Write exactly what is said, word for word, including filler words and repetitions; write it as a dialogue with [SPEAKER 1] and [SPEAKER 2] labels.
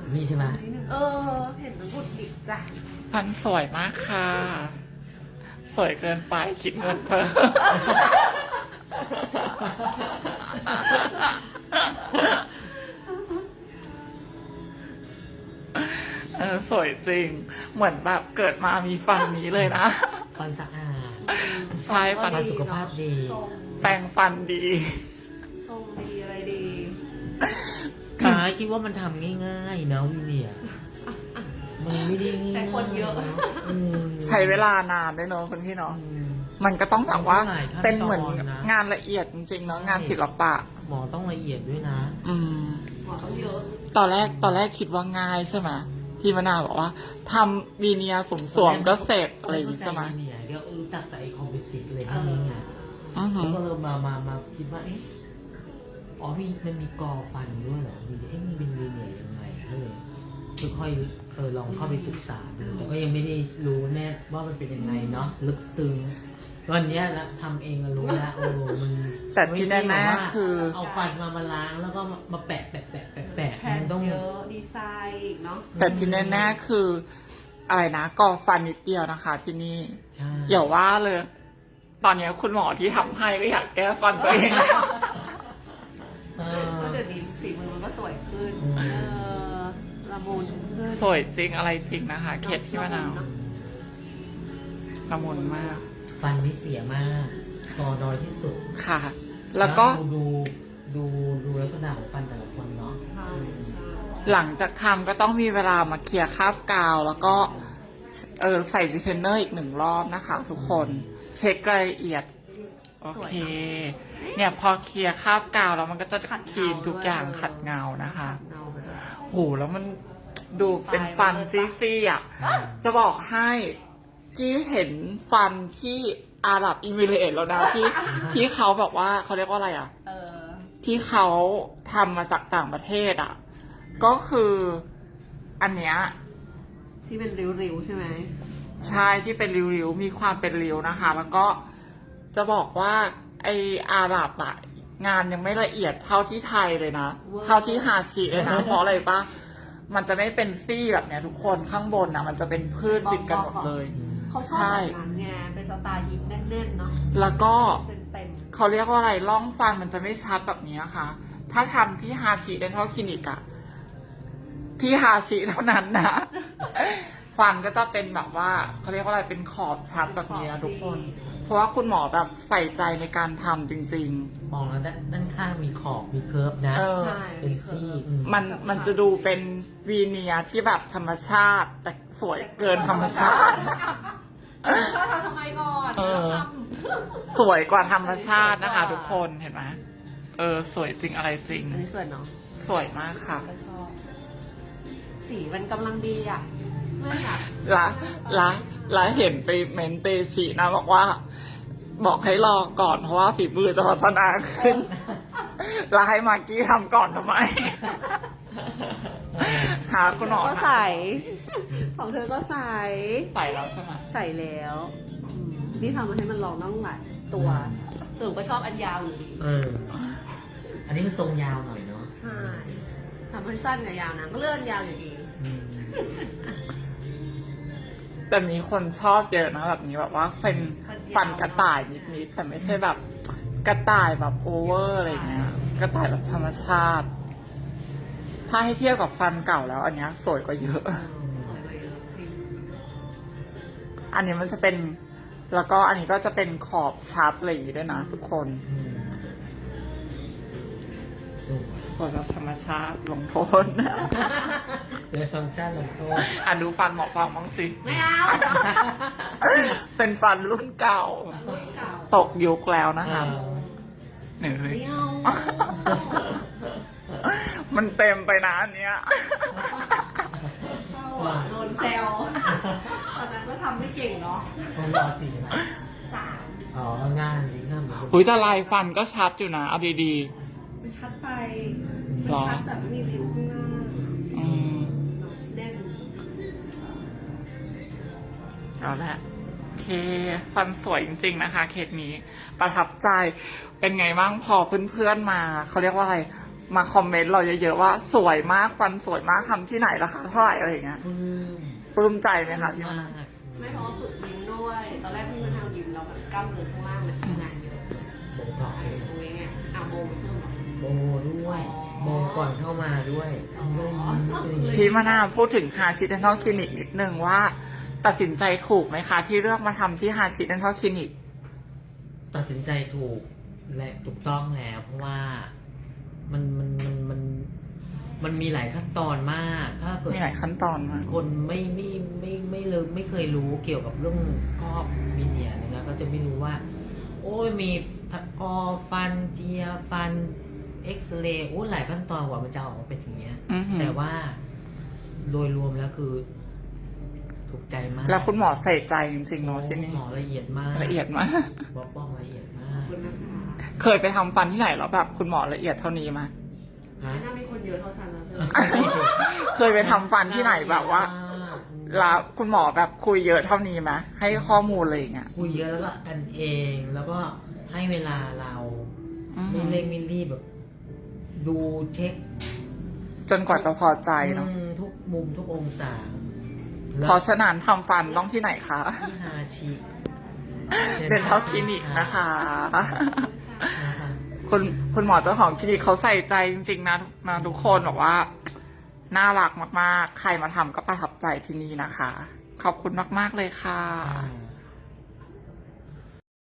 [SPEAKER 1] นี่ใช่ไหม
[SPEAKER 2] เออ เห็นมันบุดบิดจ้ะ
[SPEAKER 3] ฟันสวยมากค่ะ สวยเกินไปคิดเงินเพิ่ม เออสวยจริง เหมือนแบบเกิดมามีฟันนี้เลยนะ
[SPEAKER 1] ฟันสะอาด
[SPEAKER 3] ใช่ฟัน
[SPEAKER 1] ฟันสุขภาพดี
[SPEAKER 2] ทรง
[SPEAKER 3] แปรงฟันดี
[SPEAKER 2] ทรงดีอะไรดี
[SPEAKER 1] กายคิดว่ามันทำง่ายๆนะวิเนียมันไม่ได้ง่ายๆ
[SPEAKER 2] ใช้คนเยอะ
[SPEAKER 1] อืม
[SPEAKER 3] ใช้เวลานานด้วยเนาะคุณพี่เนาะ
[SPEAKER 1] อืม
[SPEAKER 3] มันก็ต้องแบบว่า
[SPEAKER 1] มันต้องหลายขั้นตอนนะ
[SPEAKER 3] เป็นเหมือนงานละเอียดจริงๆเนาะงานศิลปะ
[SPEAKER 1] หมอต้องละเอียดด้วยนะ
[SPEAKER 3] อืม
[SPEAKER 2] หมอต้องเยอะ
[SPEAKER 3] ตอนแรกตอนแรกคิดว่าง่ายใช่ไหมที่มะนาวบอกว่าทำวีเนียสมสวมก็เสร็จอะไรอย่างงี้ใช่ไหม
[SPEAKER 1] วิเนียเดี๋ยวรู้จักแต่ไอคอมพิวสิตเลยที่นี้ไง
[SPEAKER 3] อือหื
[SPEAKER 1] แล้ว
[SPEAKER 3] อ
[SPEAKER 1] ก็เลยมามามาคิดว่าเอ๊ะอ๋อมีมันมีกอฟันด้วยเหรอมีเอ๊ะมันเป็นวีเนียยังไงก็เลยค่อยๆเออลองเข้าไปศึกษาดูแต่ก็ยังไม่ได้รู้แน่ว่ามันเป็นยังไงเนาะลึกซึ้งวันเนี้ยละทำเองก็รู้แล้วโอ้มัน
[SPEAKER 3] แต่ที่
[SPEAKER 1] ไม่ใช่
[SPEAKER 3] แน่
[SPEAKER 1] บบว่า
[SPEAKER 3] ๆคือ
[SPEAKER 1] เอาฟันมามาล้างแล้วก็มามาแปะแปะแปะแปะแปะ
[SPEAKER 2] แผ่น
[SPEAKER 1] มันต้อง
[SPEAKER 2] เยอะดีไซน์อีกเนาะ
[SPEAKER 3] แต่ที่แน่ๆคืออะไรนะกอฟันนิดเดียวนะคะ ที่นี่
[SPEAKER 1] ใช่
[SPEAKER 3] อย่าว่าเลย ตอนนี้คุณหมอที่ทำให้ก็อยากแก้ฟันตัวเองแล้ว
[SPEAKER 1] เออ
[SPEAKER 2] ก็เดี๋ยวนี้สีมือมันก็สวยขึ้น
[SPEAKER 1] อืม
[SPEAKER 2] เออละมุนขึ้น
[SPEAKER 3] สวยจริงอะไรจริงนะคะ เคสที่มะนาว
[SPEAKER 2] เอะ
[SPEAKER 3] ละมุนมาก
[SPEAKER 1] ฟันไม่เสียมากกอน้อยที่สุด
[SPEAKER 3] ค่ะ แล้วก็
[SPEAKER 1] ดูดูดูลักษณะของฟันแต่ละคนเนาะ
[SPEAKER 2] ใช่ใช่
[SPEAKER 3] หลังจากทำก็ต้องมีเวลามาเคลียร์คราบกาว แล้วก็เออใส่รีเทนเนอร์อีกหนึ่งรอบนะคะ ทุกคนเช็ครายละเอียด โอเค เนี่ยพอเคลียร์คราบกาวแล้วมันก็จะคลีนทุกอย่างขัดเงานะคะ
[SPEAKER 2] เงาไปด้วย
[SPEAKER 3] โหแล้วมันดูเป็นฟันซี่ๆอ่ะ จะบอกให้ที่เห็นฟันที่อาหรับอิมิเรตส์แล้วนะที่ที่เขาแบบว่าเขาเรียกว่าอะไรอ่ะ
[SPEAKER 2] เออ
[SPEAKER 3] ที่เขาทำมาจากต่างประเทศอ่ะ ก็คืออันเนี้ย
[SPEAKER 2] ที่เป็นริ้วๆใช่ไหม
[SPEAKER 3] ใช่ที่เป็นริ้วๆมีความเป็นริ้วนะคะ แล้วก็จะบอกว่าไออาหรับอ่ะงานยังไม่ละเอียดเท่าที่ไทยเลยนะ เท่าที่ฮาชิเลยนะ เพราะอะไรปะมันจะไม่เป็นซี่แบบเนี้ยทุกคนข้างบนอ่ะ มันจะเป็นพืชติดกันหมดเลย
[SPEAKER 2] เขาชอบแบบนั้นไงเป็นสไตล์ยิปแน่นๆเนาะ
[SPEAKER 3] แล้วก็
[SPEAKER 2] เต็ม
[SPEAKER 3] เขาเรียกว่าอะไรร่องฟันมันจะไม่ชัดแบบนี้ค่ะ ถ้าทำที่ฮาชิเดนทัลคลินิกอะที่ฮาชิเท่านั้นนะ ฟันก็จะเป็นแบบว่าเขาเรียกว่าอะไรเป็นขอบชัดแบบนี้นะทุกคน เพราะว่าคุณหมอแบบใส่ใจในการทำจริง
[SPEAKER 1] มองแล้วด้านด้านข้างมีขอบมีเคิร์ฟนะ
[SPEAKER 3] ๆ เออ
[SPEAKER 2] ใช่
[SPEAKER 1] เป็นซี่อืม
[SPEAKER 3] มันมันจะดูเป็นวีเนียร์ที่แบบธรรมชาติ แต่สวยเกินธรรมชาติ
[SPEAKER 2] เออทำทำไมก่อน
[SPEAKER 3] เออ
[SPEAKER 2] ทำ
[SPEAKER 3] สวยกว่าธรรมชาตินะคะ ทุกคนเห็นไหมเออ สวยจริงอะไรจริง
[SPEAKER 2] อันนี้สวยเนาะ
[SPEAKER 3] สวยมากค่ะ
[SPEAKER 2] ก็ชอบ สีมันกำลังดีอ่ะไม่อยาก
[SPEAKER 3] ละละละเห็นไปเมนเตชินะบอกว่า บอกให้รอก่อนเพราะว่าฝีมือจะพัฒนาขึ้น แล้วให้มากกี้ทำก่อนทำไม หาคุณหมอ
[SPEAKER 2] ก็ใส่ ของเธอก็ใส่
[SPEAKER 3] ใส่แล้วใช่ไหม
[SPEAKER 2] ใส่แล้วอืมนี่ทำมาให้มันลองต้องหลายตัวสรุปก็ชอบอันยาวอยู่ดี
[SPEAKER 1] เออ อันนี้มันทรงยาวหน่อยเนาะ
[SPEAKER 2] ใช่ทำให้สั้นกับยาวนะก็เลื่อนยาวอยู่ดี
[SPEAKER 1] อืม
[SPEAKER 3] แต่มีคนชอบเยอะนะแบบนี้แบบว่าเป็นฟันกระต่ายนิดๆแต่ไม่ใช่แบบกระต่ายแบบโอเวอร์อะไรเงี้ย กระต่ายแบบธรรมชาติ ถ้าให้เทียบกับฟันเก่าแล้ว อันเนี้ยสวยกว่าเยอะ
[SPEAKER 2] สวยเลยจริง
[SPEAKER 3] อันนี้มันจะเป็น แล้วก็อันนี้ก็จะเป็นขอบชัดอะไรอย่างงี้ด้วยนะทุกคน
[SPEAKER 1] อืมโอ้
[SPEAKER 3] สวยแบบธรรมชาติลงโทษ
[SPEAKER 1] เดี๋ยวฟังก์ชันลงโทษ
[SPEAKER 3] อ่ะดูฟันหมอฟังบ้างสิ
[SPEAKER 2] ไม่เอา
[SPEAKER 3] เป็นฟันรุ่นเก่า
[SPEAKER 2] เก่า
[SPEAKER 3] ตกยุคแล้วนะคะหนึ่งเลย
[SPEAKER 2] ไม่เอา
[SPEAKER 3] มันเต็มไปนะอันเนี้ย
[SPEAKER 2] เศร้าอ่ะโดนแซวตอนนั้นก็ทำไม่เก่งเนาะ
[SPEAKER 1] ต้องรอสีอะไร
[SPEAKER 2] สาม
[SPEAKER 1] อ๋องานดีงามเหมือนกัน
[SPEAKER 3] หุยแต่ลายฟันก็ชัดอยู่นะ เอาดี
[SPEAKER 2] มันชัดไป
[SPEAKER 3] ๆ
[SPEAKER 2] มัน
[SPEAKER 3] หรอ
[SPEAKER 2] ชัดแบบไม่มีริ้วข้างหน้า
[SPEAKER 3] อืม
[SPEAKER 2] แน่น
[SPEAKER 3] เอาละโอเค ฟันสวยจริง ๆ นะคะ เคสนี้ ประทับใจ เป็นไงบ้างพอเพื่อนๆมา เขาเรียกว่าอะไรมาคอมเมนต์เราเยอะๆว่าสวยมากฟันสวยมากทำที่ไหนราคาเท่าไหร่อะไรอย่างเงี้ย
[SPEAKER 1] ปลื้ม
[SPEAKER 3] ปลื้มใจไหมคะพี่มะ
[SPEAKER 1] มาน
[SPEAKER 3] าว
[SPEAKER 1] ก
[SPEAKER 2] ไม่เพราะว่าฝึกยิ้มด้วย ตอนแรกพี่มะนาวยิ้มแล้วแบบกล้ามเนื้อข้างล่างมันทำงานเยอะ
[SPEAKER 1] โบท็อกซ์
[SPEAKER 2] ตรงนี้ไงอ่ะโบมันเพิ่มเหรอ
[SPEAKER 1] โบด้วยโบก่อนเข้ามาด้วยเอาเลยยิ้มเลย
[SPEAKER 3] พี่มะนาวพูดถึงฮาชิเดนทัลคลินิกนิดนึงว่า ตัดสินใจถูกไหมคะ ที่เลือกมาทำที่ฮาชิเดนทัลคลินิก
[SPEAKER 1] ตัดสินใจถูกและถูกต้องแล้ว เพราะว่ามันมันมันมันมันมีหลายขั้นตอนมาก ถ้าเกิด
[SPEAKER 3] มีหลายขั้นตอนมาก
[SPEAKER 1] คนไม่ไม่ไม่ไม่เลยไม่เคยรู้เกี่ยวกับเรื่องครอบมิเนียนะก็จะไม่รู้ว่า โอ้ยมีตะกอฟันเจียฟันเอ็กซเรย์โอ้หลายขั้นตอนกว่ามันจะออกมาเป็นอย่างเงี้ย
[SPEAKER 3] อือหือ
[SPEAKER 1] แต่ว่าโดยรวมแล้วคือ ถูกใจมาก
[SPEAKER 3] แล้วคุณหมอใส่ใจจริงๆเนาะที่นี่
[SPEAKER 1] หมอละเอียดมาก
[SPEAKER 3] ละเอียดมาก
[SPEAKER 1] บอกป้องละเอียดมา
[SPEAKER 2] ขอก บคุณนะคะ
[SPEAKER 3] เคยไปทำฟันที่ไหนแล้วแบบคุณหมอละเอียดเท่านี้ไหม
[SPEAKER 1] ฮะ
[SPEAKER 2] ไม่น่ามีคนเยอะเท่าฉันนะเธอ
[SPEAKER 3] เคยไปทำฟันที่ไหนแบบว่า แล้วคุณหมอแบบคุยเยอะเท่านี้ไหมให้ข้อมูลอะไรอย่างเงี้ย
[SPEAKER 1] คุยเยอะแล้วก็กันเองแล้วก็ให้เวลาเรา
[SPEAKER 3] อือหื
[SPEAKER 1] ไม่
[SPEAKER 3] อ
[SPEAKER 1] เร่งไม่รีบแบบ ดูเช็ค
[SPEAKER 3] จนกว่าจะพอใจเนาะ
[SPEAKER 1] อืมทุกมุมทุกองศา
[SPEAKER 3] เพราะฉะนั้นทำฟันต้องที่ไหนคะ
[SPEAKER 1] ที่ฮาชิ
[SPEAKER 3] เดนทัลคลินิกนะคะ
[SPEAKER 1] นะคะ
[SPEAKER 3] คุณคุณหมอเจ้าของคลินิกเขาใส่ใจจริงๆนะนะทุกคนบอกว่า น่ารักมากๆ ใครมาทำก็ประทับใจที่นี่นะคะ ขอบคุณมากๆเลยค่ะ
[SPEAKER 1] อ่า